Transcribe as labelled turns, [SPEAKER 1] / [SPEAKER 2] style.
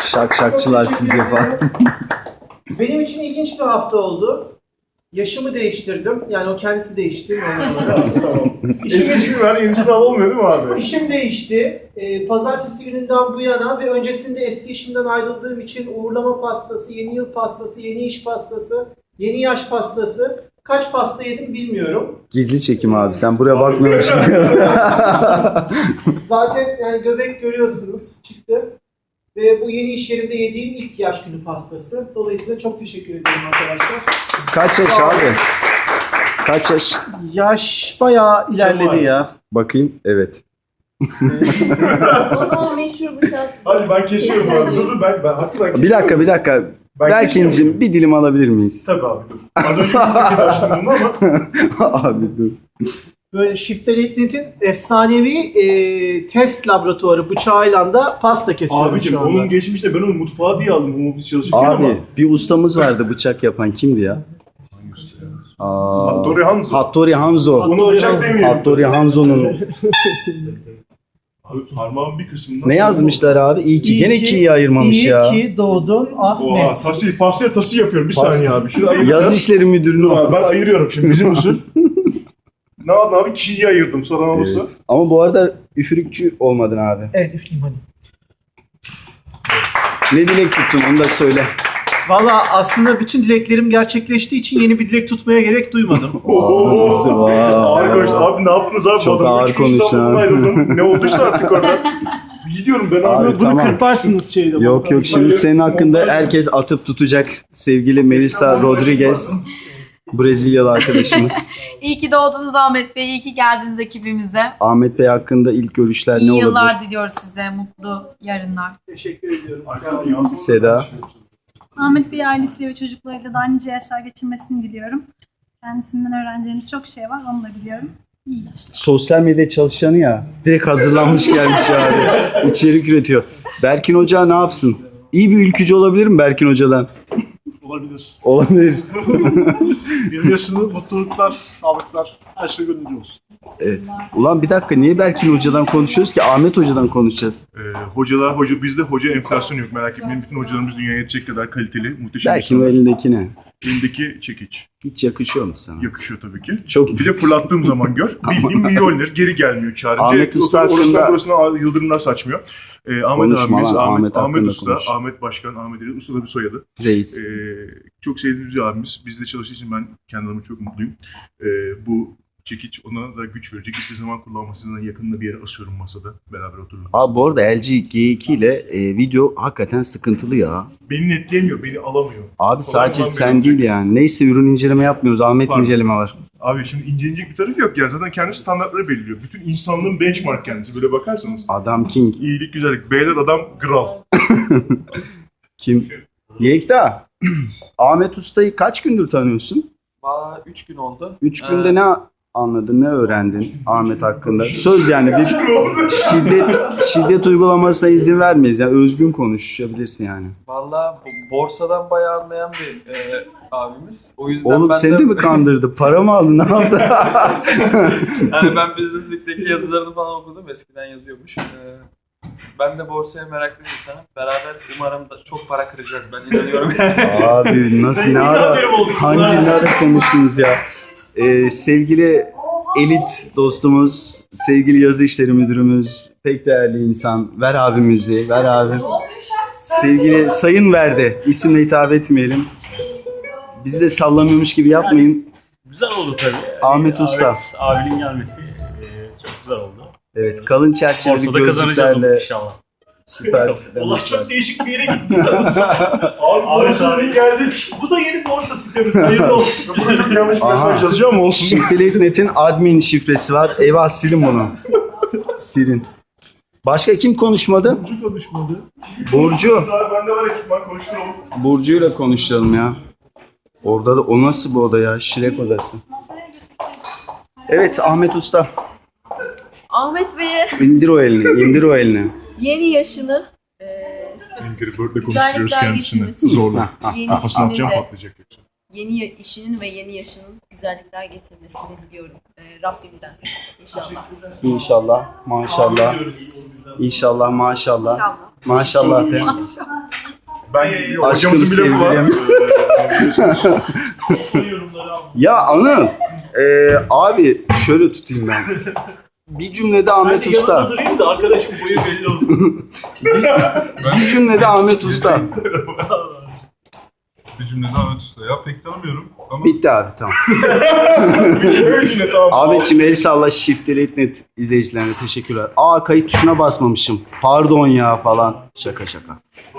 [SPEAKER 1] Şakşakçılar siz yapar.
[SPEAKER 2] Benim için ilginç bir hafta oldu. Yaşımı değiştirdim. Yani o kendisi değişti.
[SPEAKER 3] Tamam. Eskisini ver, yenisini al olmuyor değil mi abi?
[SPEAKER 2] İşim değişti. Pazartesi gününden bu yana ve öncesinde eski işimden ayrıldığım için uğurlama pastası, yeni yıl pastası, yeni iş pastası, yeni yaş pastası. Kaç pasta yedim bilmiyorum.
[SPEAKER 1] Gizli çekim abi. Sen buraya bakmıyormuşsun.
[SPEAKER 2] Zaten yani göbek görüyorsunuz çıktı. Ve bu yeni iş yerimde yediğim ilk yaş günü pastası. Dolayısıyla çok teşekkür ederim arkadaşlar.
[SPEAKER 1] Kaç yaş abi? Kaç yaş?
[SPEAKER 2] Yaş bayağı ilerledi ya.
[SPEAKER 1] Bakayım. Evet.
[SPEAKER 4] O zaman meşhur bıçağı size.
[SPEAKER 3] Hadi ben kesiyorum abi. Dur ben hakikaten
[SPEAKER 1] Bir dakika.
[SPEAKER 3] Ben
[SPEAKER 1] Berkin'cim
[SPEAKER 3] kesiyorum.
[SPEAKER 1] bir dilim alabilir miyiz?
[SPEAKER 3] Tabii abi dur. Az önce bir paketi açtım bunu ama.
[SPEAKER 1] Abi dur.
[SPEAKER 2] Böyle Shifter.net'in efsanevi test laboratuvarı bıçağıyla da pasta kesiyorum
[SPEAKER 3] Abicim
[SPEAKER 2] şu anda.
[SPEAKER 3] onun geçmişte ben onu mutfağa diye aldım home office çalışırken ama.
[SPEAKER 1] Abi bir ustamız vardı bıçak yapan. Kimdi ya?
[SPEAKER 3] Hattori Hanzo.
[SPEAKER 1] Hattori Hanzo.
[SPEAKER 3] Onu bıçak demeyelim.
[SPEAKER 1] Hattori Hanzo'nun.
[SPEAKER 3] Abi parmağın bir kısmından.
[SPEAKER 1] Ne yazmışlar abi? İyi ki. Gene ki'yi ayırmamış ya.
[SPEAKER 2] İyi ki doğdun
[SPEAKER 3] Oha
[SPEAKER 2] Ahmet.
[SPEAKER 3] pastaya tası yapıyorum bir saniye abi. Şunu ayıracağız.
[SPEAKER 1] Yaz işleri müdürünü
[SPEAKER 3] Dur abi
[SPEAKER 1] o.
[SPEAKER 3] ben ayırıyorum şimdi bizim usul. Ne yaptın abi? Ki'yi ayırdım soran olursa.
[SPEAKER 1] Evet. Ama bu arada üfürükçü olmadın abi.
[SPEAKER 2] Evet üfleyeyim hadi.
[SPEAKER 1] Ne dilek tuttun onu da söyle.
[SPEAKER 2] Valla aslında bütün dileklerim gerçekleştiği için yeni bir dilek tutmaya gerek duymadım.
[SPEAKER 1] Nasıl var?
[SPEAKER 3] Ağır konuştu. Abi ne yaptınız abi?
[SPEAKER 1] Çok
[SPEAKER 3] Bu adamı
[SPEAKER 1] ağır
[SPEAKER 3] 3 gün
[SPEAKER 1] konuştu
[SPEAKER 3] İstanbul'dan
[SPEAKER 1] ha.
[SPEAKER 3] ayrıldım. Ne olduysa artık orada. Gidiyorum ben abi.
[SPEAKER 1] Abi,
[SPEAKER 2] Bunu
[SPEAKER 1] tamam.
[SPEAKER 2] kırparsınız şeyde.
[SPEAKER 1] Yok şimdi senin hakkında herkes atıp tutacak sevgili Melissa Rodriguez. Brezilyalı arkadaşımız.
[SPEAKER 4] İyi ki doğdunuz Ahmet Bey, iyi ki geldiniz ekibimize.
[SPEAKER 1] Ahmet Bey hakkında ilk görüşler ne
[SPEAKER 4] İyi
[SPEAKER 1] olabilir?
[SPEAKER 4] yıllar diliyoruz size, mutlu yarınlar.
[SPEAKER 2] Teşekkür ediyorum. Sağ olun.
[SPEAKER 1] Seda.
[SPEAKER 5] Ahmet Bey ailesiyle ve çocuklarıyla da nice yaşlar geçirmesini diliyorum. Kendisinden öğreneceğimiz çok şey var, onu da biliyorum. İyi yaşlar.
[SPEAKER 1] Sosyal medya çalışanı ya. Direkt hazırlanmış gelmiş abi. İçerik üretiyor. Berkin Hoca ne yapsın? İyi bir ülkücü olabilir mi Berkin Hoca'dan?
[SPEAKER 6] Olabilir.
[SPEAKER 1] Olabilir.
[SPEAKER 6] Bir yaşını mutluluklar, sağlıklar, her şey gönlünce olsun.
[SPEAKER 1] Evet. Ulan bir dakika niye Berkin Hoca'dan konuşuyoruz ki? Ahmet Hoca'dan konuşacağız.
[SPEAKER 3] Bizde hoca enflasyonu yok merak etmeyin. Bütün hocalarımız dünyaya yetecek kadar kaliteli, muhteşem
[SPEAKER 1] Berkin o
[SPEAKER 3] insanlar.
[SPEAKER 1] elindeki ne?
[SPEAKER 3] Elindeki çekiç.
[SPEAKER 1] Hiç yakışıyor mu sana?
[SPEAKER 3] Yakışıyor tabii ki.
[SPEAKER 1] Çok
[SPEAKER 3] Bir de fırlattığım zaman gör. Bildiğin milyoner geri gelmiyor çağırınca.
[SPEAKER 1] Ahmet Usta
[SPEAKER 3] Orasından
[SPEAKER 1] hakkında-
[SPEAKER 3] burasına yıldırımlar saçmıyor. Ahmet
[SPEAKER 1] Konuşma
[SPEAKER 3] abimiz,
[SPEAKER 1] lan,
[SPEAKER 3] Ahmet
[SPEAKER 1] hakkında
[SPEAKER 3] Usta,
[SPEAKER 1] konuş.
[SPEAKER 3] Ahmet Başkan, Ahmet Ali Usta da bir soyadı.
[SPEAKER 1] Reis.
[SPEAKER 3] Çok sevdiğimiz bir abimiz. Bizde çalıştığı için ben kendi adıma çok mutluyum. Bu çekiç ona da güç verecek. İstediği zaman kullanmasından yakınında bir yere asıyorum masada. Beraber oturuyoruz.
[SPEAKER 1] Abi bu arada LG G2 ile video hakikaten sıkıntılı ya.
[SPEAKER 3] Beni netleyemiyor, beni alamıyor.
[SPEAKER 1] Abi sadece
[SPEAKER 3] Kolay
[SPEAKER 1] sen
[SPEAKER 3] kolay
[SPEAKER 1] değil yani. Neyse ürün inceleme yapmıyoruz. Ahmet
[SPEAKER 3] Var.
[SPEAKER 1] inceleme var.
[SPEAKER 3] Abi şimdi incelenecek bir tarafı yok. Yani zaten kendi standartları belirliyor. Bütün insanlığın benchmark kendisi. Böyle bakarsanız.
[SPEAKER 1] Adam King.
[SPEAKER 3] İyilik, güzellik. Beyler adam kral.
[SPEAKER 1] Kim? Yekta. Ahmet Usta'yı kaç gündür tanıyorsun?
[SPEAKER 7] Valla 3 gün oldu.
[SPEAKER 1] 3 günde ne anladın, ne öğrendin Ahmet hakkında? Söz yani bir şiddet uygulamasına izin vermeyiz. Yani özgün konuşabilirsin yani.
[SPEAKER 7] Valla borsadan bayağı anlayan bir abimiz. O yüzden
[SPEAKER 1] Oğlum
[SPEAKER 7] ben
[SPEAKER 1] seni de mi kandırdı? Para mı aldın? Ne yaptı?
[SPEAKER 7] Yani ben Business Week'teki yazılarını falan okudum. Eskiden yazıyormuş. Ben de borsaya meraklı bir insanım. Beraber umarım da çok para kıracağız. Ben inanıyorum.
[SPEAKER 1] Abi nasıl ne ara hangi ne ara konuştunuz ya? Sevgili elit dostumuz, sevgili yazı işleri müdürümüz, pek değerli insan. Ver abi müziği, ver abi. Sevgili Sayın Verde, isimle hitap etmeyelim. Bizi de sallamıyormuş gibi yapmayın.
[SPEAKER 8] Güzel oldu tabii.
[SPEAKER 1] Ahmet Usta.
[SPEAKER 8] Evet, abinin gelmesi çok güzel oldu.
[SPEAKER 1] Evet, kalın çerçeveli
[SPEAKER 8] Borsada kazanacağız onu
[SPEAKER 1] gözlüklerle
[SPEAKER 8] inşallah.
[SPEAKER 1] süper.
[SPEAKER 2] Allah çok değişik bir yere gitti.
[SPEAKER 3] Abi borsaya geldik.
[SPEAKER 2] Bu da yeni borsa sitemiz. Hayırlı olsun.
[SPEAKER 3] Burada çok yanlış bir
[SPEAKER 1] Aha.
[SPEAKER 3] mesaj yazacağım ama olsun.
[SPEAKER 1] Shifter.net'in admin şifresi var. Eyvah silin bunu. Silin. Başka kim konuşmadı?
[SPEAKER 2] Burcu konuşmadı.
[SPEAKER 1] Burcu.
[SPEAKER 3] Abi bende var ekipman konuşturalım.
[SPEAKER 1] Burcu'yla konuşalım ya. Orada da o nasıl bu oda ya? Şirek odası. Evet Ahmet Usta.
[SPEAKER 4] Ahmet Bey'e
[SPEAKER 1] İndir o elini, indir o elini.
[SPEAKER 4] yeni yaşını,
[SPEAKER 3] Angry Bird'le konuşturuyoruz
[SPEAKER 4] güzellikler
[SPEAKER 3] kendisini.
[SPEAKER 4] geçirmesi,
[SPEAKER 3] Zorla.
[SPEAKER 4] yeni
[SPEAKER 3] Kafasını
[SPEAKER 4] işinin
[SPEAKER 3] atacağım
[SPEAKER 4] de,
[SPEAKER 3] patlayacak yoksa.
[SPEAKER 4] işinin ve yeni yaşının güzellikler getirmesini diliyorum Rabbimden inşallah.
[SPEAKER 1] İnşallah, maşallah. İnşallah, maşallah.
[SPEAKER 4] İnşallah.
[SPEAKER 1] Maşallah de.
[SPEAKER 3] Ben
[SPEAKER 1] Aşkım,
[SPEAKER 3] hocamızın bir lafı var.
[SPEAKER 1] sevgilim. Ya Anıl, abi şöyle tutayım ben. Bir cümlede Ahmet Usta.
[SPEAKER 8] durayım da arkadaşım boyu belli olsun.
[SPEAKER 1] Bir cümlede Ahmet Usta.
[SPEAKER 9] Bir cümlede Ahmet Usta. Ya pek tanımıyorum ama
[SPEAKER 1] Bitti abi, tamam. Ahmetciğim el salla, Shift Delete Net izleyicilerine teşekkürler. Kayıt tuşuna basmamışım. Pardon ya falan. Şaka şaka.